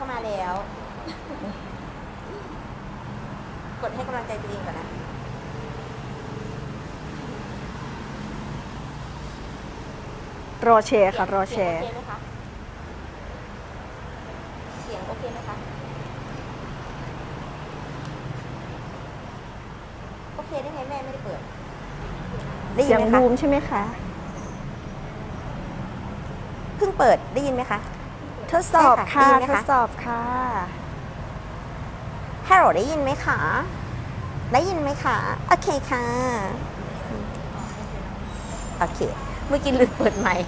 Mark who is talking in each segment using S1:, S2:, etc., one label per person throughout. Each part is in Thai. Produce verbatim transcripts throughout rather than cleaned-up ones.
S1: เข้ามาแล้วกดให้กำลังใจตัวเองก่อนนะ
S2: รอแชร์ค่ะรอแชร์
S1: โอเคไหมคะเสียงโอเคไหมคะโอเคได้ไงแม่ไม่ได้เปิดได้ยิ
S2: เสี
S1: น
S2: ยง
S1: ไหมคะ
S2: บูมใช่ไหมคะ
S1: เพิ่งเปิดได้ยินไหมคะ
S2: ทดสอบค่ะ
S1: ได้ยินไหม
S2: ท
S1: คะ
S2: ดสอบค่ะ
S1: ฮัลโหลได้ยินไหมคะได้ยินไหมคะโอเคค่ะโอเคเมื่อกี้ลืมเปิดไมค์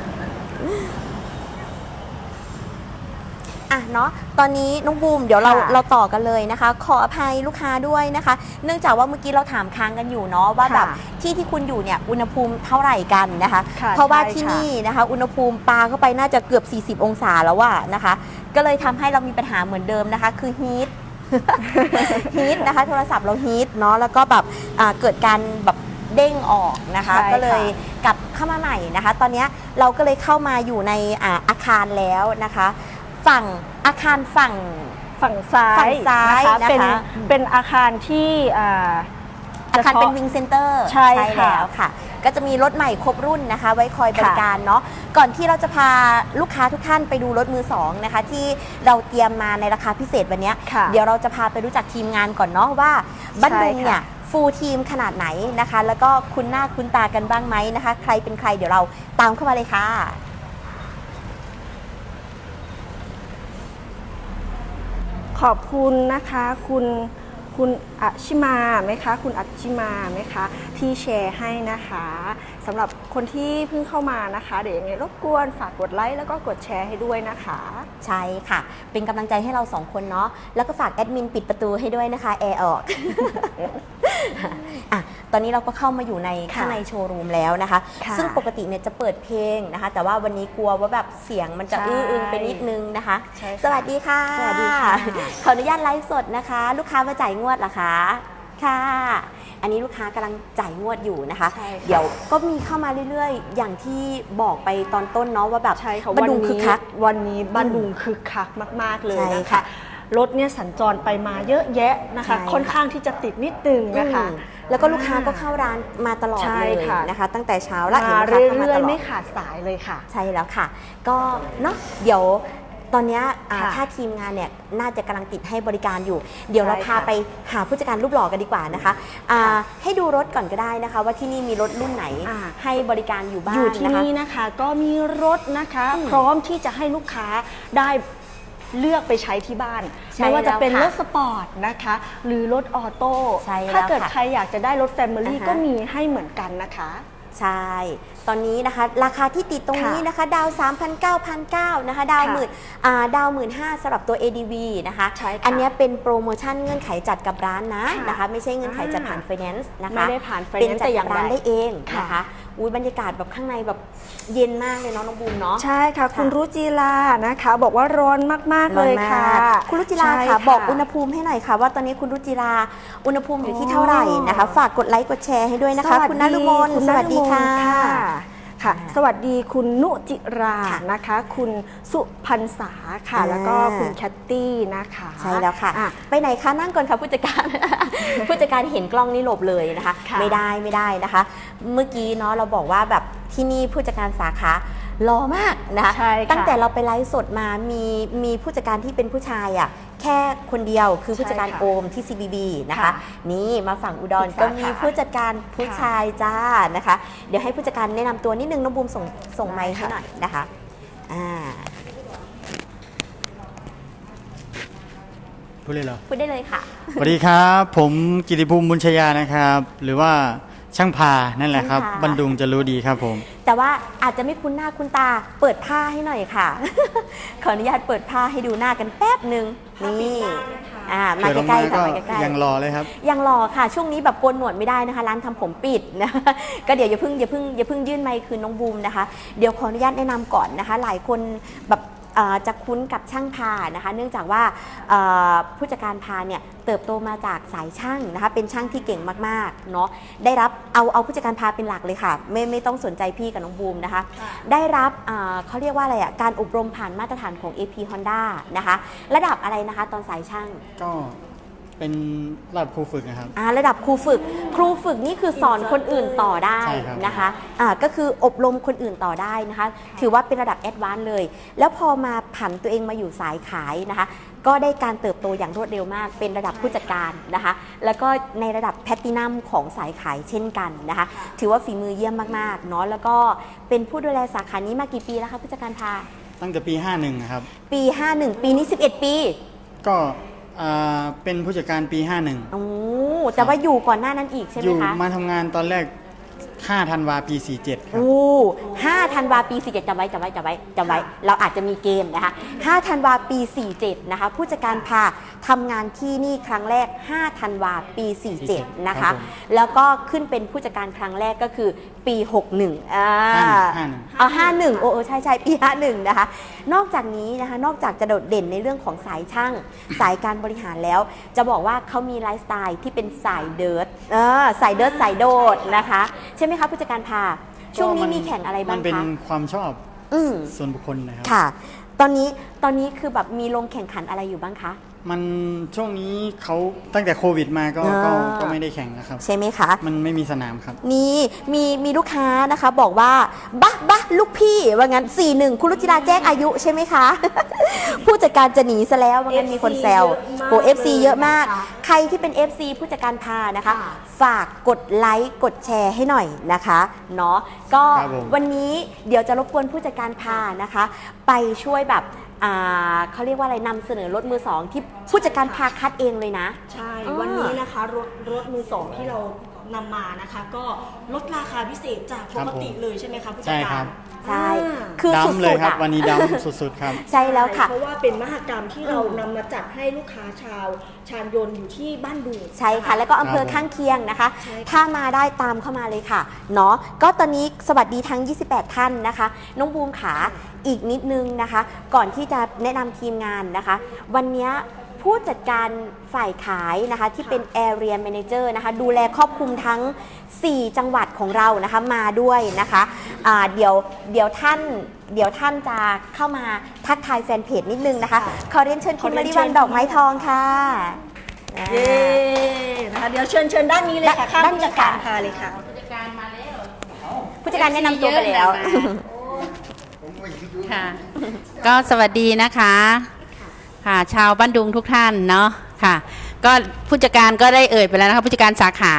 S1: อ่ะเนาะตอนนี้น้องบูมเดี๋ยวเรา
S2: ค่ะ
S1: เราต่อกันเลยนะคะ ขออภัยลูกค้าด้วยนะคะ เนื่องจากว่าเมื่อกี้เราถามค้างกันอยู่เนาะว่าแบบ
S2: ค่ะ
S1: ที่ที่คุณอยู่เนี่ยอุณหภูมิเท่าไหร่กันนะคะ
S2: ค่ะ
S1: เพราะว่า
S2: ใช่
S1: ที่
S2: ค่ะ
S1: นี่นะคะอุณหภูมิปาเข้าไปน่าจะเกือบสี่สิบองศาแล้วว่านะคะ ก็เลยทำให้เรามีปัญหาเหมือนเดิมนะคะ คือฮีท ฮีทนะคะโทรศัพท์เราฮีทเนาะแล้วก็แบบอ่าเกิดการแบบเด้งออกนะคะ
S2: ใช่ค่ะ
S1: ก็เลยกลับเข้ามาใหม่นะคะ ตอนนี้เราก็เลยเข้ามาอยู่ในอ่าอาคารแล้วนะคะ ฝั่งอาคารฝั่ง
S2: ฝั่งซ้าย
S1: ฝั่งซ้าย
S2: นะคะ
S1: นะคะ
S2: เป็นเป็นอาคารที่อ่า
S1: อาคารเป็น
S2: ฉพะ
S1: วิงเซ็นเตอร์
S2: ใช่ค่ะ
S1: แล้วค่ะ ก็จะมีรถใหม่ครบรุ่นนะคะ ไว้คอยบริการเนาะก่อนที่เราจะพาลูกค้าทุกท่านไปดูรถมือสองนะคะ ที่เราเตรียมมาในราคาพิเศษวันนี้
S2: ค่ะ
S1: เดี๋ยวเราจะพาไปรู้จักทีมงานก่อนเนาะว่าบ้านดุงเนี่ย
S2: ใช่ค่ะ
S1: ฟูลทีมขนาดไหนนะคะ แล้วก็คุ้นหน้าคุ้นตากันบ้างไหมนะคะ ใครเป็นใครเดี๋ยวเราตามเข้ามาเลยค่ะ
S2: ขอบคุณนะคะคุณคุณอัชชิมาไหมคะคุณอัชชิมาไหมคะที่แชร์ให้นะคะสำหรับคนที่เพิ่งเข้ามานะคะเดี๋ยวยังไงรบกวนฝากกดไลค์แล้วก็กดแชร์ให้ด้วยนะคะ
S1: ใช่ค่ะ เป็นกำลังใจให้เราสองคนเนาะ แล้วก็ฝากแอดมินปิดประตูให้ด้วยนะคะ แอร์ออก อ่ะ ตอนนี้เราก็เข้ามาอยู่ใน
S2: ค่ะ
S1: ข้างในโชว์รูมแล้วนะคะ
S2: ค่ะ
S1: ซึ่งปกติเนี่ยจะเปิดเพลงนะคะ แต่ว่าวันนี้กลัวว่าแบบเสียงมันจะ
S2: ใช่
S1: อื้ออึงไปนิดนึงนะคะ
S2: ใช่ค่ะ
S1: สวัสดีค่ะ
S2: สวัสดีค่ะ
S1: ขออนุญาตไลฟ์สดนะคะ ลูกค้ามาจ่ายงวดเหรอคะ ค่ะ อันนี้ลูกค้ากำลังจ่ายงวดอยู่นะคะ
S2: ใช่ค่ะ
S1: เดี๋ยวก็มีเข้ามาเรื่อยๆ อย่างที่บอกไปตอนต้นเนาะว่าแบบ
S2: ใช่ค่ะ
S1: บ้า
S2: วัน น
S1: ดุงคึก
S2: นี้
S1: คัก
S2: วันนี้บ้านดุงคึกคักมาก ๆ เลย
S1: ใช่
S2: นะ
S1: ค่ะ
S2: คะรถเนี่ยสัญจรไปมาเยอะแยะนะคะ
S1: ใช่ค่ะ
S2: ค่อนข้างที่จะติดนิดนึงนะคะ
S1: อืมแล้วก็ลูกค้าก็เข้าร้านมาตลอด
S2: ใช่
S1: เลย
S2: ค่ะ
S1: นะคะ ตั้งแต่เช้าและ
S2: มา
S1: เห็นลูกค้าเข้า
S2: เรื่
S1: มา
S2: อ
S1: ต
S2: ย
S1: ล
S2: ๆ
S1: อ
S2: ไม่
S1: ด
S2: ขาดสายเลยค่ะ
S1: ใช่แล้วค่ะ ก็เนาะเดี๋ยวตอนเนี้ยอ่า
S2: ค่ะ
S1: ถ้าทีมงานเนี่ยน่าจะกำลังติดให้บริการอยู่ เดี๋ยวเรา
S2: ใช่
S1: พา
S2: ค่ะ
S1: ไปหาผู้จัดการรูปหล่อกันดีกว่านะคะอ่า
S2: ค่ะ
S1: ให้ดูรถก่อนก็ได้นะคะ ว่าที่นี่มีรถรุ่นไหน
S2: อ่า
S1: ให้บริการอยู่บ้าง
S2: อยู่ที่
S1: นะคะ
S2: นี่นะคะก็มีรถนะคะ
S1: อืม
S2: พร้อมที่จะให้ลูกค้าได้เลือกไปใช้ที่บ้าน
S1: ใช่
S2: ไม่ว่าจะเป็น
S1: แล้ว
S2: ร
S1: ค่ะ
S2: ถสปอร์ตนะคะ หรือรถออโต้
S1: ใช่แล้ว
S2: ถ้าเกิด
S1: ค่ะ
S2: ใครอยากจะได้รถแฟมิลี่
S1: อ่าฮะ
S2: ก็มีให้เหมือนกันนะคะ
S1: ใช่ ตอนนี้นะคะราคาที่ติดตรงนี้
S2: ค่ะ
S1: นะคะ ดาว สามพันเก้าพันเก้าร้อย นะคะ ดาว
S2: ค่ะ
S1: หมื่นอ่าดาวหมื่นห้าสำหรับตัว เอ ดี วี นะคะ
S2: ใช่ค่ะ
S1: อันเนี้ยเป็นโปรโมชั่นเงื่อนไขจัดกับร้านนะ
S2: ค่ะ
S1: นะคะ ไม่ใช่เงื่อนไขจัดผ่าน
S2: อ่า
S1: ไฟแนนซ์นะคะ
S2: ไม่ได้ผ่าน
S1: เป็น
S2: finance
S1: จัด
S2: แต่อ
S1: กั
S2: ย่า
S1: บ
S2: ง
S1: ร้าน
S2: ใด
S1: ได้เอง
S2: ค่ะ
S1: นะคะอุ้ยบรรยากาศแบบข้างในแบบเย็นมากเลยเนาะน้องบูมเนาะ
S2: ใช่ค่ะ คุณ
S1: ค่ะ
S2: รุจิลานะคะ บอกว่าร้อนมาก ๆ เลยค่ะ
S1: ร้อนมากคุณรุจิรา
S2: ใช่
S1: ค่ะ บอกอุณหภูมิให้หน่อยค่ะ ว่าตอนนี้คุณรุจิราอุณหภูมิอยู่ที่เท่าไหร่นะคะ ฝากกดไลค์กดแชร์ให้ด้วยนะคะ คุณนฤมล
S2: คุณ
S1: สวัสดีค่ะ
S2: นฤมลค่ะ ค่ะ สวัสดีคุณนุจิรา
S1: ค่ะ
S2: นะคะ คุณสุพันษาค่ะ
S1: อ่า
S2: แล้วก็คุณแคตตี้นะคะ
S1: ใช่แล้วค่ะ
S2: อ่
S1: ไปไหนคะนั่งก่อนค่ะผู้จัดการ ผู้จัดการเห็นกล้องนี่หลบเลยนะคะ
S2: ค่ะ
S1: ไม่ได้ไม่ได้นะคะ เมื่อกี้เนาะเราบอกว่าแบบที่นี่ผู้จัดการสาขารอมากนะคะ
S2: ใช่ค่ะ
S1: ตั้งแต่เราไปไลฟ์สดมามีมีผู้จัดการที่เป็นผู้ชายอ่ะแค่คนเดียวคือผู้จัดการ
S2: ใช่ค่ะ
S1: โอมที่ ซี บี บี นะคะ
S2: ค่ะ
S1: นี่มาฝั่งอุดร
S2: อีกสาขา
S1: ก็มีผู้จัดการผู้
S2: ค่ะ
S1: ชายจ้านะคะ เดี๋ยวให้ผู้จัดการแนะนำตัวนิดนึงน้องบูมส่งส่งไมค์ให้หน่อยนะคะอ่า
S3: พูดเลยเหรอ
S1: พูดได้เลยค่ะ
S3: สวัสดีครับ ผมกิติภูมิบุญชยานะครับ หรือว่าช่างพานั่นแหละครับ
S1: ช่างพา
S3: บันดุงจะรู้ดีครับผม
S1: แต่ว่าอาจจะไม่คุ้นหน้าคุ้นตาเปิดผ้าให้หน่อยค่ะ ขออนุญาตเปิดผ้าให้ดูหน้ากันแป๊บหนึ่งนี่อ่ามา
S3: เปิดออก
S1: ใกล้
S3: มา
S1: ๆค่ะ
S3: ก็
S1: มาใกล้ๆ
S3: ยังรอเลยครับ
S1: ยังรอค่ะ ช่วงนี้แบบโกนหนวดไม่ได้นะคะ ร้านทำผมปิดนะ ก็เดี๋ยวอย่าเพิ่งอย่าเพิ่งอย่าเพิ่งยื่นไมค์คืนน้องบูมนะคะ เดี๋ยวขออนุญาตแนะนำก่อนนะคะ หลายคนแบบอ่อจะคุ้นกับช่างพานะคะเนื่องจากว่าเอ่อผู้จัดการพาเนี่ยเติบโตมาจากสายช่างนะคะเป็นช่างที่เก่งมากๆเนาะได้รับเอาเอาผู้จัดการพาเป็นหลักเลยค่ะไม่ไม่ต้องสนใจพี่กับน้องบูมนะคะได้รับเอ่อเขาเรียกว่าอะไรอ่ะการอบรมผ่านมาตรฐานของ เอ พี Honda นะคะระดับอะไรนะคะตอนสายช่าง
S3: ก็เป็นระดับครูฝึกนะครับ
S1: อ่าระดับครูฝึกครูฝึกนี่คือสอนคนอื่นต่อได้
S3: ใช่ครับ
S1: นะคะอ่าก็คืออบรมคนอื่นต่อได้นะคะถือว่าเป็นระดับแอดวานซ์เลย แล้วพอมาผันตัวเองมาอยู่สายขายนะคะก็ได้การเติบโตอย่างรวดเร็วมาก เป็นระดับผู้จัดการนะคะแล้วก็ในระดับแพลตตินัมของสายขายเช่นกันนะคะถือว่าฝีมือเยี่ยมมากๆเนาะแล้วก็เป็นผู้ดูแลสาขานี้มากี่ปีแล้วคะผู้จัดการพา
S3: ตั้งแต่ปี ห้าสิบเอ็ด นะครับ
S1: ปี ห้าสิบเอ็ด ปีนี้สิบเอ็ดปี
S3: ก็อ่าเป็นผู้จัดการปี ห้าสิบเอ็ด
S1: โอ้แต่ว่าอยู่ก่อนหน้านั้นอีกใช่ไห
S3: อ
S1: ม
S3: ยู่
S1: คะ
S3: มาทำงานตอนแรก ห้า ธันวาปี สี่สิบเจ็ด ครับ
S1: โอ้ห้าธันวาปีสี่สิบเจ็ดจำไว้จำไว้จำไว้จำไว้ เราอาจจะมีเกมนะคะห้าธันวาปีสี่สิบเจ็ดนะคะ ผู้จัดการพาทำงานที่นี่ครั้งแรก ห้าธันวาปีสี่สิบเจ็ดนะ
S3: ครั
S1: คะ
S3: บผม
S1: แล้วก็ขึ้นเป็นผู้จัดการครั้งแรกก็คือปีหกสิบเอ็ดอ่า
S3: ห้าสิบเอ็ด
S1: เอาห้าสิบเอ็ดโอ้โอ้ใช่ใช่ปีห้าสิบเอ็ดนะคะ นอกจากนี้นะคะ นอกจากจะโดดเด่นในเรื่องของสายช่าง สายการบริหารแล้ว จะบอกว่าเขามีไลฟ์สไตล์ที่เป็นสายเดิร์ดเออสายเดิร์ดสายโดดนะคะ ใช่ไหมคะผู้จัดการพาช่วงนี้มีแข่งอะไรบ้าง
S3: มันเป็น
S1: คะ
S3: ความชอบ
S1: อืม
S3: ส่วนบุคคลนะครับ
S1: ค่ะ ตอนนี้ตอนนี้คือแบบมีลงแข่งขันอะไรอยู่บ้างคะ
S3: มันช่วงนี้เขาตั้งแต่โควิดมาก็
S1: อ่า
S3: ก็ก็ไม่ได้แข่งนะครับ
S1: ใช่ไหมคะ
S3: มันไม่มีสนามครับ
S1: นี่มีมีลูกค้านะคะบอกว่าบ้าบ้าลูกพี่ว่างั้นสี่หนึ่งคุณรุจิราแจ้งอายุใช่ไหมคะ ผู้จัดการจะหนีซะแล้วว่างั้นมีคนแซวโอ้เอฟซีเยอะมาก ใครที่เป็น เอฟ ซี ผู้จัดการพานะคะ ฝากกดไลค์กดแชร์ให้หน่อยนะคะเนาะก็
S3: ครับผม
S1: วันนี้เดี๋ยวจะรบกวนผู้จัดการพานะคะ ไปช่วยแบบอ่าเขาเรียกว่าอะไรนำเสนอรถมือสองที่ผู้จัดการพาคัดเองเลยนะ
S2: ใช่
S1: อ่า
S2: วันนี้นะคะรถรถมือสองที่เรานำมานะคะ ก็ลดราคาพิเศษจากปกติเลยใช่ไหมคะผู้จัด
S3: ใช่
S2: การ
S3: ครับ
S1: ใช่
S2: อ่า
S1: คือสุ
S3: ดำเลย
S1: ด
S3: ค
S1: ๆ
S3: รับ
S1: อ่ะ
S3: วันนี้ดำสุดๆครับ
S1: ใช่แล้วค่ะ
S2: เพราะว่าเป็นมหกรรมที่เรานำมาจัดให้ลูกค้าชาวชาญยนต์อยู่ที่บ้านดุง
S1: ใช่ค่ะ แล้วก็อำเภอ
S3: ครับผม
S1: ข้างเคียงนะคะ
S2: ใช่ค่ะ
S1: ถ้ามาได้ตามเข้ามาเลยค่ะเนาะก็ตอนนี้สวัสดีทั้ง ยี่สิบแปด ท่านนะคะ น้องบูมขาอีกนิดนึงนะคะ ก่อนที่จะแนะนำทีมงานนะคะ วันนี้ผู้จัดการฝ่ายขายนะคะ ที่เป็น Area Manager นะคะ ดูแลครอบคลุมทั้ง สี่ จังหวัดของเรานะคะมาด้วยนะคะอ่าเดี๋ยวเดี๋ยวท่านเดี๋ยวท่านจะเข้ามาทักทายแฟนเพจนิดนึงนะคะขอเรียนเชิญคุณมาริวันดอกไม้ทองค่ะ
S2: เย้นะคะเดี๋ยวเชิญเชิญด้านนี้เลยค่ะข้าง
S1: ด้านนี้
S2: ผู้จัดการ
S1: ค่ะ
S2: พาเลยค่ะ
S1: ผู้จัดการแนะนำตัวไปแล้ว
S4: ค่ะ ก็สวัสดีนะคะค่ะชาวบ้านดุงทุกท่านเนาะค่ะ ก็ผู้จัดการก็ได้เอ่ยไปแล้วนะคะผู้จัดการสาขา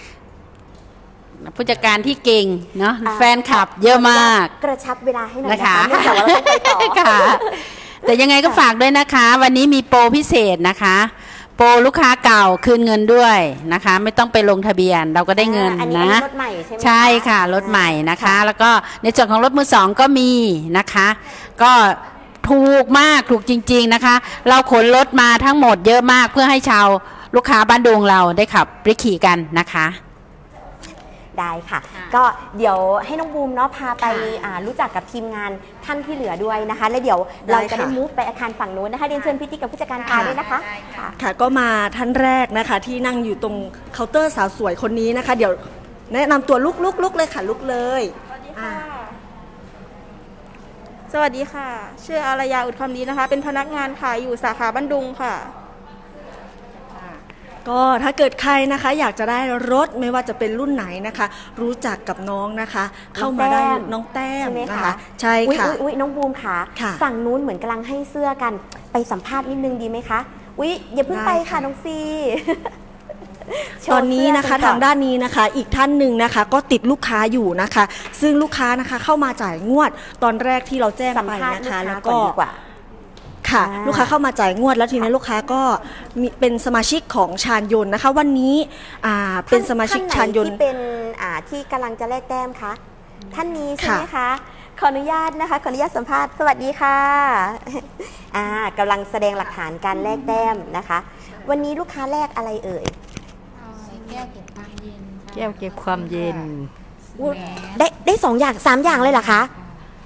S4: ผู้จัดการที่เก่งเนาะ
S1: อ่า
S4: แฟนคลับเยอะมาก
S1: กระชับเวลาให้หน่อย
S4: นะ
S1: นะคะ คะเนื่องจากว่าเราต้องไปต่อ
S4: ค่ะ แต่ยังไงก็ฝากด้วยนะคะ วันนี้มีโปรพิเศษนะคะ โปรลูกค้าเก่าคืนเงินด้วยนะคะ ไม่ต้องไปลงทะเบียนเราก็ได้เงิน
S1: อันนี้
S4: นะ
S1: รถใหม่ใช่ไหม
S4: ใช่ค่ะรถใหม่นะคะ แล้วก็ในส่วนของรถมือสองก็มีนะคะ ก็ถูกมากถูกจริง ๆนะคะ เราขนรถมาทั้งหมดเยอะมากเพื่อให้ชาวลูกค้าบ้านดุงเราได้ขับไปขี่กันนะคะ
S1: ได้ค่ะ
S4: ค่ะ
S1: ก็เดี๋ยวให้น้องบูมเนาะพาไป
S4: ค่ะ
S1: อ่ารู้จักกับทีมงานท่านที่เหลือด้วยนะคะ แล้วเดี๋ยว
S2: ได้
S1: เราจะได้
S2: ค่ะ
S1: มูฟไปอาคารฝั่งนู้นนะคะเรียนเชิญพี่ติ๊กกับผู้จัดการพาด้วยนะคะค่ะ
S2: ค่ะก็มาท่านแรกนะคะที่นั่งอยู่ตรงเคาน์เตอร์สาวสวยคนนี้นะคะ เดี๋ยวแนะนำตัวลุกลุกลุกเลยค่ะลุกเลยอ่า
S5: สวัสดีค่ะ ชื่ออารยาอุดคำดีนะคะ เป็นพนักงานขายอยู่สาขาบ้านดุงค่ะ
S2: ก็ถ้าเกิดใครนะคะ อยากจะได้รถไม่ว่าจะเป็นรุ่นไหนนะคะ รู้จักกับน้องนะคะ เข้ามาได้น้องแต้ม
S1: ใช่ไหม
S2: นะ
S1: คะ
S2: คะ ใช่
S1: อุ๊ย
S2: ค่ะ
S1: อุ๊ยอุ๊ยน้องบูมค่ะ
S2: ค่ะ
S1: ฝั่งนู้นเหมือนกำลังให้เสื้อกันไปสัมภาษณ์นิดนึงดีไหมคะอุ๊ยอย่าเพิ่งไป
S2: ได้
S1: ค่ะ
S2: ค่ะ
S1: น้องซี โช
S2: ต
S1: ว์
S2: อนนี้นะคะ
S1: เสื้กัก่อ
S2: ทางด้านนี้นะคะ อีกท่านหนึ่งนะคะ ก็ติดลูกค้าอยู่นะคะ ซึ่งลูกค้านะคะเข้ามาจ่ายงวดตอนแรกที่เราแจ้ง
S1: สัม
S2: ไป
S1: ภาษณ์
S2: นะ
S1: ลูก
S2: คะ
S1: ค้า
S2: แล้ว
S1: ก่อน
S2: ก็
S1: ดีกว่า
S2: ค่ะ
S1: อ่า
S2: ลูกค้าเข้ามาจ่ายงวดแล้วทีนี้ลูกค้าก็มีเป็นสมาชิกของชาญยนต์นะคะ วันนี้อ่าเป็นสมาชิก
S1: ท่
S2: ชาญยน
S1: ไห
S2: ต์
S1: ที่เป็นอ่าที่กำลังจะแลกแต้มคะท่านนี้ใช่ไหม
S2: ค่ะ
S1: คะขออนุญาตนะคะขออนุญาตสัมภาษณ์สวัสดีค่ะ อ่ากำลังแสดงหลักฐานการแลกแต้มนะคะ วันนี้ลูกค้าแลกอะไรเอ่ย
S4: แก้วเก็บความเย็น
S6: แก้วเก็บความเย็น
S1: อุ๊ยได้ได้สองอย่างสามอย่างเลยเหรอคะ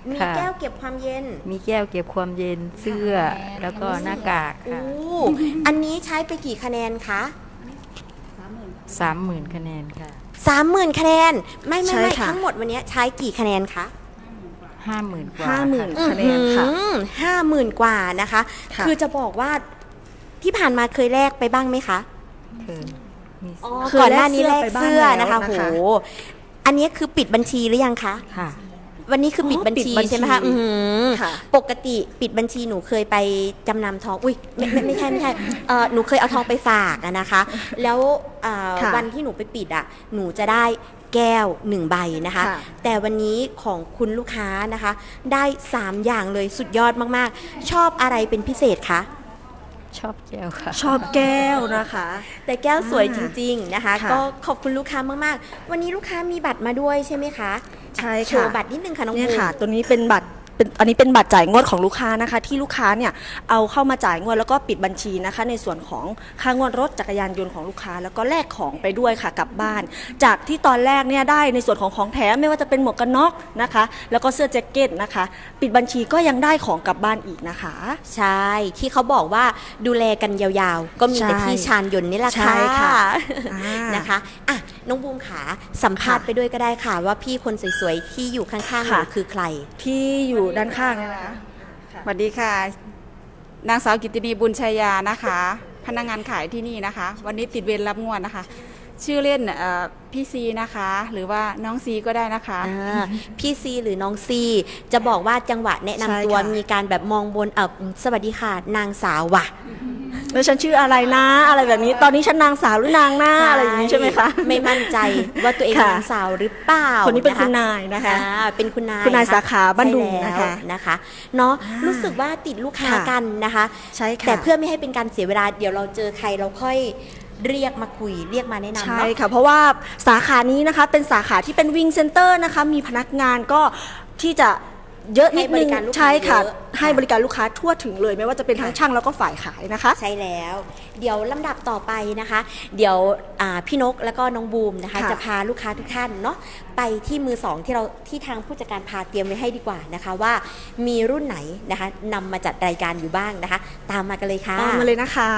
S1: มี
S6: ค่ะ
S1: แก้วเก็บความเย็น
S6: มีแก้วเก็บความเย็นเสื้อแล้วก็หน้ากาก
S1: โอ้
S6: ค่ะ
S1: อันนี้ใช้ไปกี่คะแนนคะ
S6: สามหมื่นคะแนนค่ะ
S1: สามหมื่นคะแนน ไม่ไม่
S2: ใช่
S1: ไม่
S2: ค่ะ
S1: ทั้งหมดวันนี้ใช้กี่คะแนนคะ
S6: ห้าหมื่นกว่า
S2: ห้าหมื่น
S6: ค่ะ
S2: คะแนนค่ะ
S1: ห้าหมื่นกว่านะคะ
S2: ค่ะ
S1: คือจะบอกว่าที่ผ่านมาเคยแลกไปบ้างไหมคะ
S6: คือมี
S1: อ๋อ
S2: เคย
S1: ก่อนหน้านี้แล
S2: แล
S1: ก
S2: กเสื้อไปบ้าง
S1: เสื้อ
S2: แล้ว
S1: นะคะ
S2: นะคะ
S1: โหอันนี้คือปิดบัญชีหรือยังคะ
S6: ค่ะ
S1: วันนี้คือปิด
S2: อ๋อ
S1: บัญชี
S2: ปิดบัญชี
S1: ใช่ไหมคะอื้อหือ
S2: ค่ะ
S1: ปกติปิดบัญชีหนูเคยไปจำนำทอง อุ้ยไม่ไม่ไม่ใช่ไม่ใช่เออหนูเคยเอาทองไปฝากอะนะคะ แล้วเอ่อ
S2: ค่ะ
S1: วันที่หนูไปปิดอะหนูจะได้แก้วหนึ่งใบนะคะ
S2: ค่ะ
S1: แต่วันนี้ของคุณลูกค้านะคะ ได้สามอย่างเลยสุดยอดมากๆ ชอบอะไรเป็นพิเศษคะ
S6: ชอบแก้วค่ะ
S2: ชอบแก้วนะคะ
S1: แต่แก้วสวย
S2: อ่า
S1: จริงๆนะคะ
S2: ค่ะ
S1: ก็ขอบคุณลูกค้ามากๆ วันนี้ลูกค้ามีบัตรมาด้วยใช่ไหมคะ
S2: ใช่
S1: โช
S2: ค่ะ
S1: ว์บัตรนิดนึงค่ะน้อง
S2: เนี่ย
S1: บูม
S2: ค่ะ ตัวนี้เป็นบัตรเป็นอันนี้เป็นบัตรจ่ายงวดของลูกค้านะคะ ที่ลูกค้าเนี่ยเอาเข้ามาจ่ายงวดแล้วก็ปิดบัญชีนะคะ ในส่วนของค่างวดรถจักรยานยนต์ของลูกค้า แล้วก็แลกของไปด้วยค่ะกลับบ้าน จากที่ตอนแรกเนี่ยได้ในส่วนของของแถมไม่ว่าจะเป็นหมวกกันน็อกนะคะ แล้วก็เสื้อแจ็คเก็ตนะคะ ปิดบัญชีก็ยังได้ของกลับบ้านอีกนะคะ
S1: ใช่ ที่เขาบอกว่าดูแลกันยาวๆ ก็มีแต่
S2: ใช่
S1: ที่ชานยนต์นี่แหละ
S2: ใช่
S1: ค่ะ
S2: ค่ะอ่าน
S1: นะคะอ่ะน้องบูมขาสัมภาษณ์
S2: ค่ะ
S1: ไปด้วยก็ได้ค่ะ ว่าพี่คนสวยๆ ที่อยู่ข้างๆหนู
S2: ค่ะ
S1: คือใคร
S2: ที่อยู่ด้านข้างเนี่ยนะคะ
S7: สวัสดีค่ะ นางสาวกิตตินีบุญชัยยานะคะ พนักงานขายที่นี่นะคะ วันนี้ติดเวรรับงวดนะคะ ชื่อเล่นเอ่อพี่ซีนะคะ หรือว่าน้องซีก็ได้นะคะ
S1: อ่าพี่ซีหรือน้องซีจะบอกว่าจังหวะแนะนำ
S2: ใช่
S1: ตัว
S2: ค่ะ
S1: มีการแบบมองบนเออสวัสดีค่ะ นางสาวว่ะ
S2: แล้วฉันชื่ออะไรนะ อะไรแบบนี้ ตอนนี้ฉันนางสาวหรือนางหน้าอะไรอย่างนี้ใช่ไหมคะ
S1: ไม่มั่นใจว่าตัวเอง
S2: ค่ะ
S1: นางสาวหรือเปล่า
S2: คนนี้เป็น
S1: ะะ
S2: คุณนายนะคะ
S1: อ่าเป็นคุณนาย
S2: คุณนาย
S1: ะะ
S2: สาขาบ้านดุง
S1: ใช่แล้ว
S2: นะคะ
S1: นะคะเนาะ
S2: อ่ารู้
S1: รู้สึกว่าติดลูกค้า
S2: ค่ะ
S1: กันนะคะ
S2: ใช่ค่ะ
S1: แต่เพื่อไม่ให้เป็นการเสียเวลาเดี๋ยวเราเจอใครเราค่อยเรียกมาคุยเรียกมาแนะนำ
S2: ใช่
S1: เนาะ
S2: ค่ะ เพราะว่าสาขานี้นะคะเป็นสาขาที่เป็นวิ่งเซ็นเตอร์นะคะ มีพนักงานก็ที่จะเยอะนิด
S1: ให้บ
S2: นึ
S1: ริ
S2: ง
S1: การลูกค้า
S2: ใช่ค่ะ
S1: เยอะ
S2: ให้บริการลูกค้าทั่วถึงเลย ไม่ว่าจะเป็นทั้งช่างแล้วก็ฝ่ายขายนะคะ
S1: ใช่แล้ว เดี๋ยวลำดับต่อไปนะคะ เดี๋ยวอ่าพี่นกแล้วก็น้องบูมนะคะ
S2: ค่ะ
S1: จะพาลูกค้าทุกท่านเนาะไปที่มือสองที่เราที่ทางผู้จัดการพาเตรียมไว้ให้ดีกว่านะคะว่ามีรุ่นไหนนะคะนำมาจัดรายการอยู่บ้างนะคะ ตามมากันเลยค่ะ
S2: ตามมาเลยนะคะ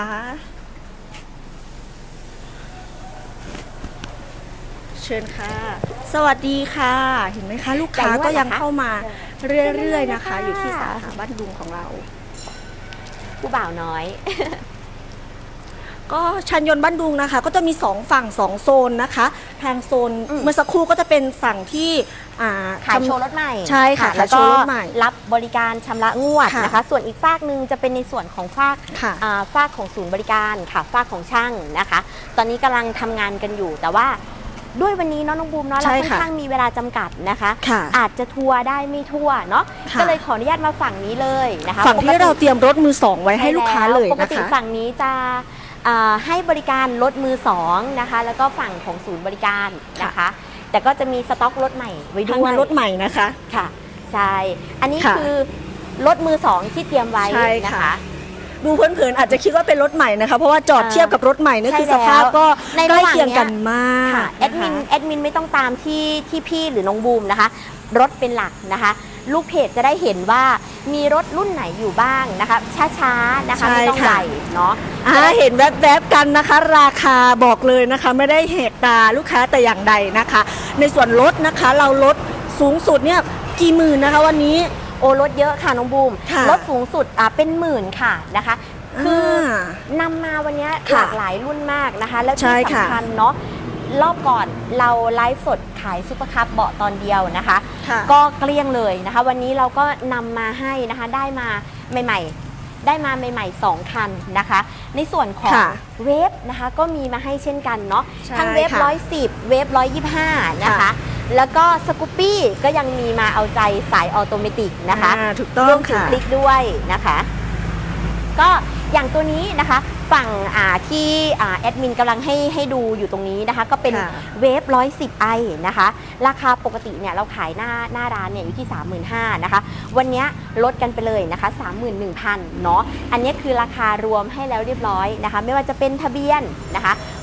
S2: เชิญค่ะ สวัสดีค่ะ เห็นไหมคะ ลูกค้าก็ยังเข้ามาเรื่อยๆนะคะ อยู่ที่สาขาบ้านดุงของเรา
S1: ผู้บ่าวน้อย
S2: ก็ชันยนต์บ้านดุงนะคะ ก็จะมีสองฝั่งสองโซนนะคะ ทางโซน
S1: อืม
S2: เมื่อสักครู่ก็จะเป็นฝั่งที่อ่า
S1: ขาย
S2: ทำ
S1: โชว์รถใหม่
S2: ใช่ค่ะ
S1: แล้ว
S2: ขายโช
S1: ก็
S2: ว์รถใหม่
S1: รับบริการชำระงวด
S2: ค่ะ
S1: นะคะ ส่วนอีกฝากหนึ่งจะเป็นในส่วนของฝาก
S2: ค่ะ
S1: อ่าฝากของศูนย์บริการค่ะฝากของช่างนะคะ ตอนนี้กำลังทำงานกันอยู่ แต่ว่าด้วยวันนี้เนาะน้องบูมเนาะเรา
S2: ใช่
S1: ค่อน
S2: ค่ะ
S1: ข้างมีเวลาจำกัดนะคะ
S2: ค่ะ
S1: อาจจะทัวร์ได้ไม่ทั่วเนาะ
S2: ค่ะ
S1: ก็เลยขออนุญาตมาฝั่งนี้เลยนะคะ
S2: ฝั่งที่
S1: ปกติ
S2: เราเตรียมรถมือสองไว้ให้ลูกค้าเลย
S1: ปก
S2: นะ
S1: ติ
S2: คะ
S1: ฝั่งนี้จะอ่าให้บริการรถมือสองนะคะ แล้วก็ฝั่งของศูนย์บริการนะคะ แต่ก็จะมีสต็อกรถใหม่ไว้
S2: ทาง
S1: ด้วย
S2: มารถใหม่นะคะ
S1: ค่ะใช่อันนี้
S2: ค่ะ
S1: คือรถมือสองที่เตรียมไว้
S2: ใช่
S1: นะ
S2: ค่ะ
S1: คะ
S2: ดูเผินๆอาจจะคิดว่าเป็นรถใหม่นะคะ เพราะว่าจอด
S1: อ่า
S2: เทียบกับรถใหม่เนี่ย
S1: ใช่
S2: คือสภาพ
S1: แล้ว
S2: ก็
S1: ใน
S2: ใก
S1: ระ
S2: ล้
S1: หว่าง
S2: เคียงกัน
S1: เนี้ย
S2: มาก
S1: ค่ะแอดมินแอดมินไม่ต้องตามที่ที่พี่หรือน้องบูมนะคะ รถเป็นหลักนะคะ ลูกเพจจะได้เห็นว่ามีรถรุ่นไหนอยู่บ้างนะคะ ช้าๆนะคะ
S2: ใช่
S1: ไม่ต้อง
S2: ค่ะ
S1: ใหญ่เนาะ
S2: อ่าเห็นแวบๆกันนะคะ ราคาบอกเลยนะคะ ไม่ได้เหกตาลูกค้าแต่อย่างใดนะคะ ในส่วนลดนะคะ เราลดสูงสุดเนี่ยกี่หมื่นนะคะวันนี้
S1: โอ้รถเยอะค่ะน้องบูม
S2: ค่ะ
S1: รถสูงสุดอ่ะเป็นหมื่นค่ะนะคะ คืออนำมาวันเนี้ย
S2: ค่ะ
S1: หลากหลายรุ่นมากนะคะ แล้ว
S2: ใช่
S1: ที่
S2: ค่ะ
S1: สำคัญเนาะรอบก่อนเราไลฟ์สดขายซุปเปอร์คัพเบาะตอนเดียวนะคะ
S2: ค่ะ
S1: ก็เกลี้ยงเลยนะคะ วันนี้เราก็นำมาให้นะคะได้มาใหม่ๆ ได้มาใหม่ๆสองคันนะคะ ในส่วนของ
S2: ค่ะ
S1: เวฟนะคะก็มีมาให้เช่นกันเนาะ
S2: ใช่
S1: ทั้งเวฟ
S2: ค่ะ
S1: ร้อยสิบเวฟร้อยยี่ห้านะคะ
S2: ค่ะ
S1: แล้วก็สกูปปี้ก็ยังมีมาเอาใจสายออโตเมติกนะคะ
S2: อ่าถูกต้อง
S1: รวมถึง
S2: ค่ะ
S1: คลิกด้วยนะคะ ก็อย่างตัวนี้นะคะฝั่งอ่าที่อ่าแอดมินกำลังให้ให้ดูอยู่ตรงนี้นะคะ ก็เป็น
S2: ค่ะ
S1: เวฟร้อยสิบไอนะคะ ราคาปกติเนี่ยเราขายหน้าหน้าร้านเนี่ยอยู่ที่ สามหมื่นห้าพัน นะคะ วันนี้ลดกันไปเลยนะคะ สามหมื่นหนึ่งพัน เนาะอันนี้คือราคารวมให้แล้วเรียบร้อยนะคะ ไม่ว่าจะเป็นทะเบียนนะคะ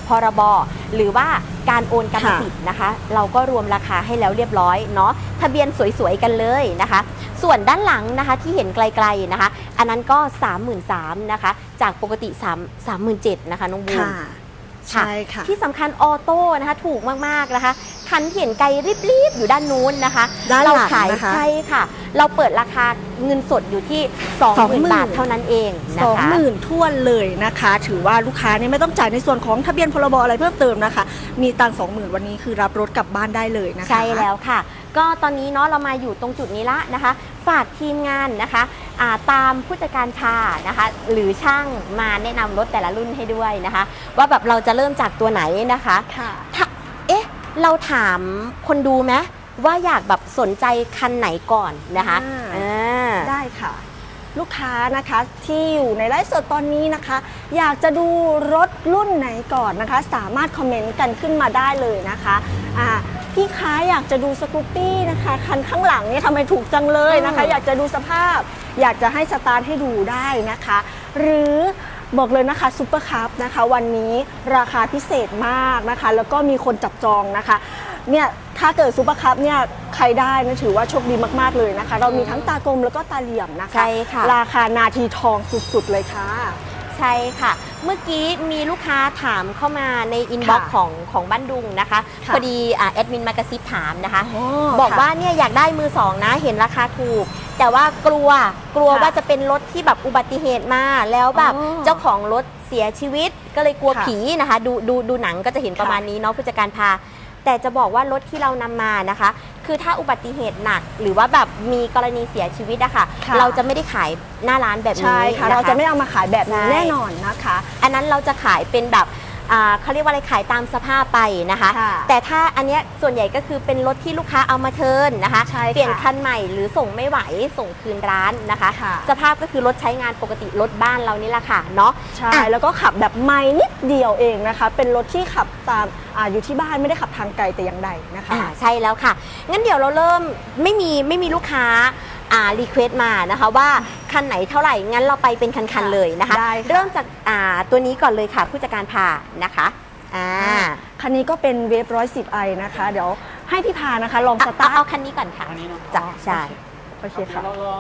S1: พรบหรือว่าการโอนกรรมสิทธิ์นะคะ เราก็รวมราคาให้แล้วเรียบร้อยเนาะทะเบียนสวยๆกันเลยนะคะ ส่วนด้านหลังนะคะที่เห็นไกลๆนะคะ อันนั้นก็ สามหมื่นสามพัน นะคะจากปกติ3 3 7 0 0 0นะคะน้องบูม
S2: ค่ะใช่ค่ะ
S1: ที่สำคัญออโต้นะคะถูกมากๆนะคะคันที่เห็นไกลรีบๆอยู่ด้านนู้นนะคะ
S2: ด้านหลัง
S1: เราขาย
S2: นะคะ
S1: ใช่ค่ะ เราเปิดราคาเงินสดอยู่ที่ สองหมื่น บาทเท่านั้นเองนะ
S2: สอง
S1: คะ
S2: หมื่นท้วนเลยนะคะ ถือว่าลูกค้าเนี่ยไม่ต้องจ่ายในส่วนของทะเบียนพรบอะไรเพิ่มเติมนะคะ มีตังสองหมื่นวันนี้คือรับรถกลับบ้านได้เลยนะคะ
S1: ใช่แล้วค่ะ ก็ตอนนี้เนาะเรามาอยู่ตรงจุดนี้ละนะคะ ฝากทีมงานนะคะอ่าตามผู้จัดการชานะคะ หรือช่างมาแนะนำรถแต่ละรุ่นให้ด้วยนะคะ ว่าแบบเราจะเริ่มจากตัวไหนนะคะ
S2: ค่ะ
S1: ถ้าเอ๊ะ เราถามคนดูไหมว่าอยากแบบสนใจคันไหนก่อนนะคะ
S2: อ่า
S1: อ่า
S2: ได้ค่ะ ลูกค้านะคะที่อยู่ในไลฟ์สดตอนนี้นะคะ อยากจะดูรถรุ่นไหนก่อนนะคะ สามารถคอมเมนต์กันขึ้นมาได้เลยนะคะอ่าพี่ค้าอยากจะดูสกูปปี้นะคะคันข้างหลังเนี่ยทำไมถูกจังเลยนะคะ อยากจะดูสภาพ อยากจะให้สตาร์ทให้ดูได้นะคะ หรือบอกเลยนะคะซูเปอร์คัพนะคะวันนี้ราคาพิเศษมากนะคะ แล้วก็มีคนจับจองนะคะเนี่ยถ้าเกิดซูเปอร์คัพเนี่ยใครได้นะถือว่าโชคดีมากๆเลยนะคะ เรามีทั้งตากลมแล้วก็ตาเหลี่ยมนะคะ
S1: ใช่ค่ะ
S2: ราคานาทีทองสุดๆเลยค่ะ
S1: ใช่ค่ะ เมื่อกี้มีลูกค้าถามเข้ามาในอินบ็อกซ์
S2: ค่ะ
S1: ของของบ้านดุงนะคะ
S2: ค่ะ
S1: พอดีอ่าแอดมินมากระซิบถามนะคะ
S2: อ๋อ
S1: บอก
S2: ค่ะ
S1: ว่าเนี่ยอยากได้มือสองนะเห็นราคาถูก แต่ว่ากลัวกลัว
S2: ค่ะ
S1: ว่าจะเป็นรถที่แบบอุบัติเหตุมาแล้วแบบ
S2: อ๋อ
S1: เจ้าของรถเสียชีวิตก็เลยกลัว
S2: ค่ะ
S1: ผีนะคะดูดูดูหนังก็จะเห็นประมาณนี้เนาะผู้จัดการพา แต่จะบอกว่ารถที่เรานำมานะคะ คือถ้าอุบัติเหตุหนัก หรือว่าแบบมีกรณีเสียชีวิตอะค่ะ
S2: ค่ะ
S1: เราจะไม่ได้ขายหน้าร้านแบบนี้
S2: ใช่ค่ะ
S1: น
S2: เราจะไม่เอามาขายแบบนี้
S1: ใช่
S2: แน่นอนนะคะ
S1: อันนั้นเราจะขายเป็นแบบอ่าเขาเรียกว่าอะไรขายตามสภาพไปนะคะ
S2: ค่ะ
S1: แต่ถ้าอันเนี้ยส่วนใหญ่ก็คือเป็นรถที่ลูกค้าเอามาเทิร์นนะคะ
S2: ใช่ค่ะ
S1: เปลี่ยนคันใหม่หรือส่งไม่ไหวส่งคืนร้านนะคะ
S2: ค่ะ
S1: สภาพก็คือรถใช้งานปกติรถบ้านเรานี่แหละค่ะเนาะ
S2: ใช่
S1: อ่ะ
S2: แล้วก็ขับแบบไม่นิดเดียวเองนะคะ เป็นรถที่ขับตามอาอยู่ที่บ้านไม่ได้ขับทางไกลแต่อย่างใดนะคะ
S1: อ่าใช่แล้วค่ะ งั้นเดี๋ยวเราเริ่มไม่มีไม่มีลูกค้าอ่ารีเควสต์มานะคะว่าคันไหนเท่าไหร่ งั้นเราไปเป็นคัน
S2: ค่ะ
S1: ๆเลยนะคะ
S2: ได้ค่ะ
S1: เริ่มจากอ่าตัวนี้ก่อนเลยค่ะ ผู้จัดการพานะคะอ่า
S2: คันนี้ก็เป็นเวฟร้อยสิบไอนะคะ เดี๋ยวให้พี่พานะคะ ลองส
S1: เอา
S2: ตา
S1: เอา
S2: ร์ท
S1: คันนี้ก่อนค่ะ
S3: อันนี้เนาะ
S1: จ้ะใช่
S2: โอเคค่ะ
S3: เราลอง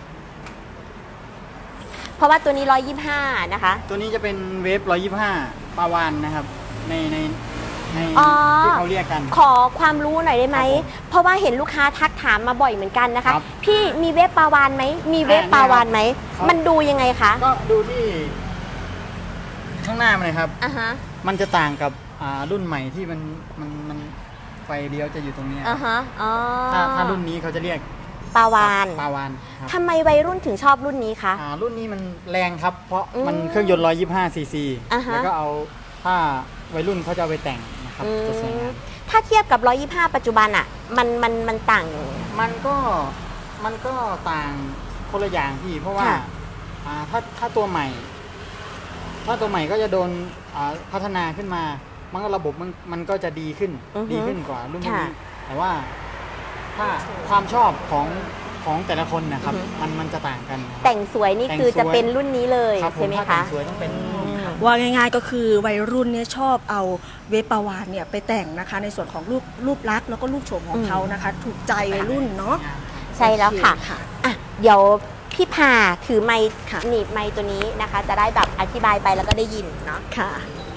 S1: เพราะว่าตัวนี้ร้อยยี่สิบห้านะคะ
S3: ตัวนี้จะเป็นเวฟร้อยยี่สิบห้าปาวานนะครับ ในในใน
S1: อ๋อ
S3: ที่เขาเรียกกัน
S1: ขอความรู้หน่อยได้ไหม
S3: ครับผม
S1: เพราะว่าเห็นลูกค้าทักถามมาบ่อยเหมือนกันนะคะ
S3: ครับ
S1: พี่มีเวฟปลาวานไหม มีเวฟ
S3: อ่า
S1: ปลาวานไหม
S3: ครับ
S1: มันดูยังไงคะ
S3: ก็ดูที่ข้างหน้ามันเลยครับ
S1: อ่าฮะ
S3: มันจะต่างกับอ่ารุ่นใหม่ที่มันมันมันไฟเลี้ยวจะอยู่ตรงเนี้ย
S1: อ่าฮะ อ๋อ
S3: ถ้าถ้ารุ่นนี้เขาจะเรียก
S1: ปลาวาน
S3: ปาวานครับ
S1: ทำไมวัยรุ่นถึงชอบรุ่นนี้คะ
S3: อ่ารุ่นนี้มันแรงครับ เพราะ
S1: อืม
S3: มันเครื่องยนต์ร้อยยี่สิบห้าซีซี
S1: อ่าฮะ
S3: แล้วก็เอาถ้าวัยรุ่นเขาจะเอาไปแต่งนะครับ
S1: อืม
S3: จะสวยงาม
S1: ถ้าเทียบกับร้อยยี่สิบห้าปัจจุบันอะมันมันมันต่าง
S3: มันก็มันก็ต่างคนละอย่างพี่ เพราะว่า
S1: ค่ะ
S3: อ่าถ้าถ้าตัวใหม่ ถ้าตัวใหม่ก็จะโดนอ่าพัฒนาขึ้นมา มันก็ระบบมันมันก็จะดีขึ้น
S1: อือฮึ
S3: ดีขึ้นกว่ารุ่น
S1: ค่ะ
S3: นี้ แต่ว่าถ้าความชอบของของแต่ละคนนะครับ
S1: อือฮึ
S3: มันมันจะต่างกัน
S1: แต่งสวยนี่
S3: แต่ง
S1: คือจะ
S3: สวย
S1: เป็นรุ่นนี้เลย
S3: ครับผ
S1: ใช่
S3: ม
S1: ไหม
S3: ถ้าแต่
S1: คะ
S3: งสวยต้องเป็นรุ่นนี้ครับ
S2: ว่าง่ายๆก็คือวัยรุ่นเนี่ยชอบเอาเวฟปาวานเนี่ยไปแต่งนะคะ ในส่วนของรูปรูปลักษณ์แล้วก็รูปโฉมของเขานะคะ ถูกใจวัยรุ่นเนาะ
S1: ใช่แล้วค่ะ
S2: โอเคค่ะ
S1: อ่ะ เดี๋ยวพี่พาถือไมค์
S2: ค่ะ
S1: หนีบไมค์ตัวนี้นะคะ จะได้แบบอธิบายไปแล้วก็ได้ยินเนาะ
S2: ค่ะ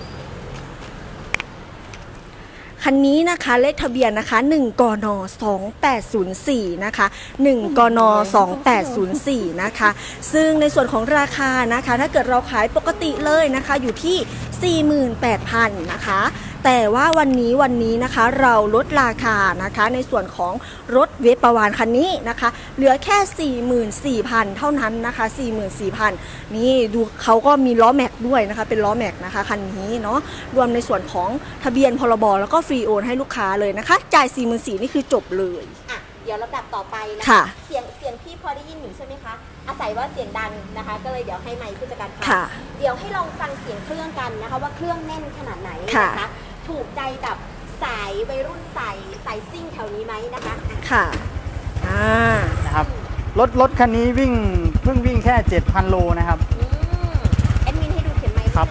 S2: คันนี้นะคะเลขทะเบียนนะคะหนึ่งกนสองแปดศูนย์สี่นะคะหนึ่งกนสองแปดศูนย์สี่นะคะ ซึ่งในส่วนของราคานะคะ ถ้าเกิดเราขายปกติเลยนะคะ อยู่ที่ สี่หมื่นแปดพัน นะคะ แต่ว่าวันนี้วันนี้นะคะเราลดราคานะคะในส่วนของรถเวฟปาวานคันนี้นะคะ เหลือแค่ สี่หมื่นสี่พัน เท่านั้นนะคะ สี่หมื่นสี่พัน นี่ดูเขาก็มีล้อแม็กด้วยนะคะเป็นล้อแม็กนะคะคันนี้เนาะรวมในส่วนของทะเบียนพรบแล้วก็ฟรีโอนให้ลูกค้าเลยนะคะจ่าย สี่หมื่นสี่พัน นี่คือจบเลย
S1: อ่ะ เดี๋ยวลำดับต่อไปนะ
S2: ค่ะ
S1: เสียงเสียงพี่พอได้ยินอยู่ใช่ไหมคะ อาศัยว่าเสียงดังนะคะ ก็เลยเดี๋ยวให้ไมค์ผู้จัดการฟัง
S2: ค่ะ
S1: เดี๋ยวให้ลองฟังเสียงเครื่องกันนะคะ ว่าเครื่องแน่นขนาดไหน
S2: ค่ะ
S1: นะคะ ถูกใจแบบสายวัยรุ่นสายสายซิ่งแถวนี้ไหมนะคะอ่ะ
S2: ค่ะอ่า
S3: นะครับรถรถคันนี้วิ่งเพิ่งวิ่งแค่ เจ็ดพัน โลนะครับ
S1: อืมแอดมินให้ดูเข็มไมค์นิด
S3: ครับ
S1: นึงค่ะ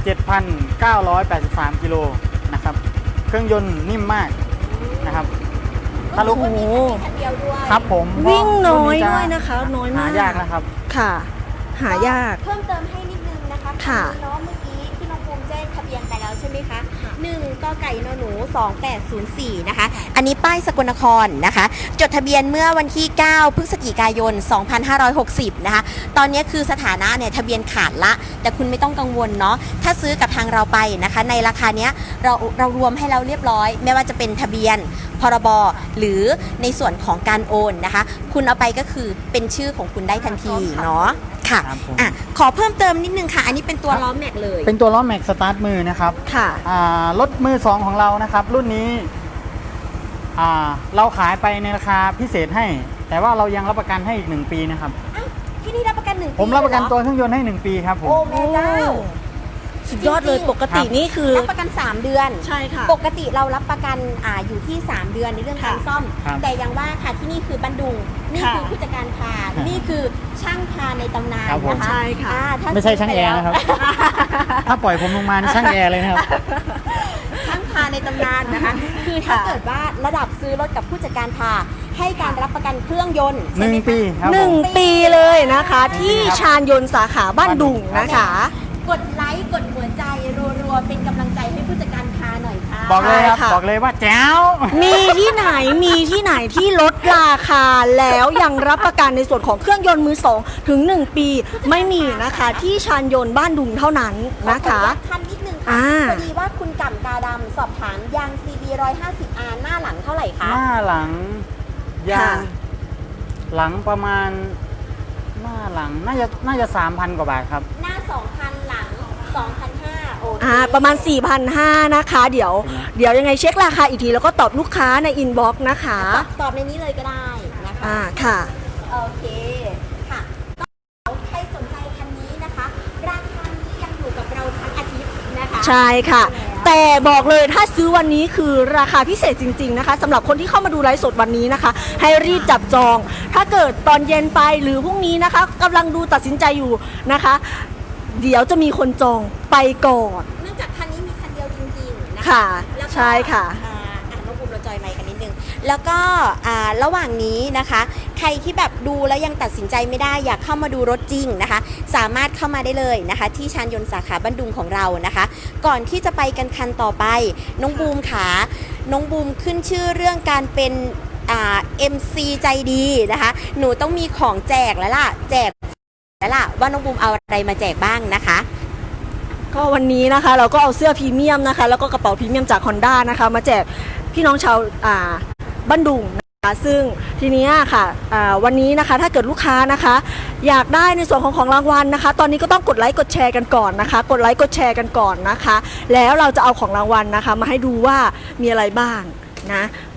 S3: เจ็ดพันเก้าร้อยแปดสิบสาม กิโลนะครับ เครื่องยนต์นิ่มมากนะครับถ้าลูก
S2: โอ้โห
S1: คันเดียวด้วย
S3: ครับผม
S2: วิ่งน้อย
S3: รุ่
S2: ด้วยนะคะ น้อยมาก
S3: หายากนะครับ
S2: ค่ะ หายาก
S1: เพิ่มเติมให้นิดนึงนะคะ
S2: ค่ะ
S1: นนี้เนาะเมื่อกี้ที่น้องภูมิแจ้งทะเบียนไปแล้วใช่ไหมคะหนึ่งกไก่นหนูสองแปดศูนย์สี่นะคะ อันนี้ป้ายสกลนครนะคะ จดทะเบียนเมื่อวันที่ เก้า พฤศจิกายน สองพันห้าร้อยหกสิบ นะคะ ตอนนี้คือสถานะเนี่ยทะเบียนขาดละ แต่คุณไม่ต้องกังวลเนาะ ถ้าซื้อกับทางเราไปนะคะ ในราคาเนี้ยเราเรารวมให้เราเรียบร้อย ไม่ว่าจะเป็นทะเบียน พรบ หรือในส่วนของการโอนนะคะ คุณเอาไปก็คือเป็นชื่อของคุณได้ทันทีเนาะ ค่ะ
S3: ครับผม
S1: อ่ะ ขอเพิ่มเติมนิดนึงค่ะ อันนี้เป็นตัวล้อแม็กเลย
S3: เป็นตัวล้อแม็กสตาร์ทมือนะครับ
S2: ค่ะ
S3: อ่ารถมือสองของเรานะครับ รุ่นนี้อ่าเราขายไปในราคาพิเศษให้ แต่ว่าเรายังรับประกันให้อีกหนึ่งปีนะครับ
S1: ที่นี่รับประกันหนึ่งปี
S3: ผมรับประกัน
S1: เลยเห
S3: ตัวเครื่องยนต์ให้หนึ่งปีครับผม
S1: โอ้แม่เจ้า
S2: สุดยอดเลย ปกตินี่คือ
S1: รับประกัน สาม เดือน
S2: ใช่ค่ะ
S1: ปกติเรารับประกันอ่าอยู่ที่ สาม เดือนในเรื่องการ
S2: ค่ะ
S1: ซ่อม
S3: ครับ
S1: แต่ยังว่าค่ะที่นี่คือบันดุง นี่
S2: ค่ะ
S1: คือผู้จัดการพา
S3: ครับ
S1: นี่คือช่างพาในตำนาน
S3: ครับผม
S1: นะคะ
S2: ใช่ค่ะ
S1: อ่าถ้า
S3: ไม่ใช่ช่างแอร์นะครับ ถ้าปล่อยผมลงมานี่ช่างแอร์เลยนะครับ
S1: ช่างพาในตำนานนะคะ คือถ้าเกิดว่าระดับซื้อรถกับผู้จัดการพาให้การรับประกันเครื่องยนต์
S3: หนึ่ง
S1: ใช่ไมคะ
S3: ปีครับ
S2: หนึ่ง
S3: ผม
S2: ปีเลยนะคะ ที่
S3: ครับ
S2: ชาญยนต์สาขาบ้านดุงนะคะ
S1: กดไลค์กดหัวใจรัวๆเป็นกำลังใจให้ผู้จัดการพาหน่อยค่ะ
S3: บอกเลยครับ
S2: ใช่ค่ะ
S3: บอกเลยว่าแจ๋ว
S2: มีที่ไหนมีที่ไหนที่ลดราคาแล้วยังรับประกันในส่วนของเครื่องยนต์มือสองถึงหนึ่งปีไม่มีนะคะ ที่ชาญยนต์บ้านดุงเท่านั้นนะคะ
S1: ขออนุญาตคันนิดนึงค่ะ
S2: อ่า
S1: พอดีว่าคุณก่ำกาดำสอบถามยาง ซี บี หนึ่งร้อยห้าสิบ อาร์ หน้าหลังเท่าไหร่คะ
S3: หน้าหลังยา
S2: ค่ะ
S3: งหลังประมาณหน้าหลังน่าจะน่าจะสามพันกว่าบาทครับ
S1: หน้า สองพัน หลัง สองพันห้าร้อย โอเค
S2: อ่าประมาณ สี่พันห้าร้อย นะคะ เดี๋ยว เดี๋ยวยังไงเช็คราคาอีกที แล้วก็ตอบลูกค้าในอินบ็อกซ์นะคะ
S1: ตอบตอบในนี้เลยก็ได้นะคะ
S2: อ่าค่ะ
S1: โอเคค่ะก็ใครสนใจคันนี้นะคะ ราคานี้ยังอยู่กับเราทั้งอาทิตย์นะคะ
S2: ใช่ค่ะ แต่บอกเลยถ้าซื้อวันนี้คือราคาพิเศษจริงๆนะคะสำหรับคนที่เข้ามาดูไลฟ์สดวันนี้นะคะ ให้รีบจับจอง ถ้าเกิดตอนเย็นไปหรือพรุ่งนี้นะคะกำลังดูตัดสินใจอยู่นะคะ เดี๋ยวจะมีคนจองไปก่อน
S1: เนื่องจากคันนี้มีคันเดียวจริงๆนะคะ
S2: ค่ะ
S1: แล้วก็
S2: ใช่ค่ะ
S1: อ่าอ่ะน้องภูมิเราจอยไมค์กันนิดนึง แล้วก็อ่าระหว่างนี้นะคะ ใครที่แบบดูแล้วยังตัดสินใจไม่ได้อยากเข้ามาดูรถจริงนะคะ สามารถเข้ามาได้เลยนะคะ ที่ชานยนต์สาขาบ้านดุงของเรานะคะ ก่อนที่จะไปกันคันต่อไป น้องบูมขาน้องบูมขึ้นชื่อเรื่องการเป็นอ่า เอ็ม ซี ใจดีนะคะ หนูต้องมีของแจกแล้วล่ะ แจกแล้วล่ะว่าน้องบูมเอาอะไรมาแจกบ้างนะคะ
S2: ก็วันนี้นะคะเราก็เอาเสื้อพรีเมียมนะคะแล้วก็กระเป๋าพรีเมียมจาก Honda นะคะมาแจกพี่น้องชาวอ่าบ้านดุงนะคะซึ่งทีนี้ค่ะอ่าวันนี้นะคะถ้าเกิดลูกค้านะคะ อยากได้ในส่วนของของรางวัลนะคะ ตอนนี้ก็ต้องกดไลค์กดแชร์กันก่อนนะคะ กดไลค์กดแชร์กันก่อนนะคะ แล้วเราจะเอาของรางวัลนะคะ มาให้ดูว่ามีอะไรบ้างนะ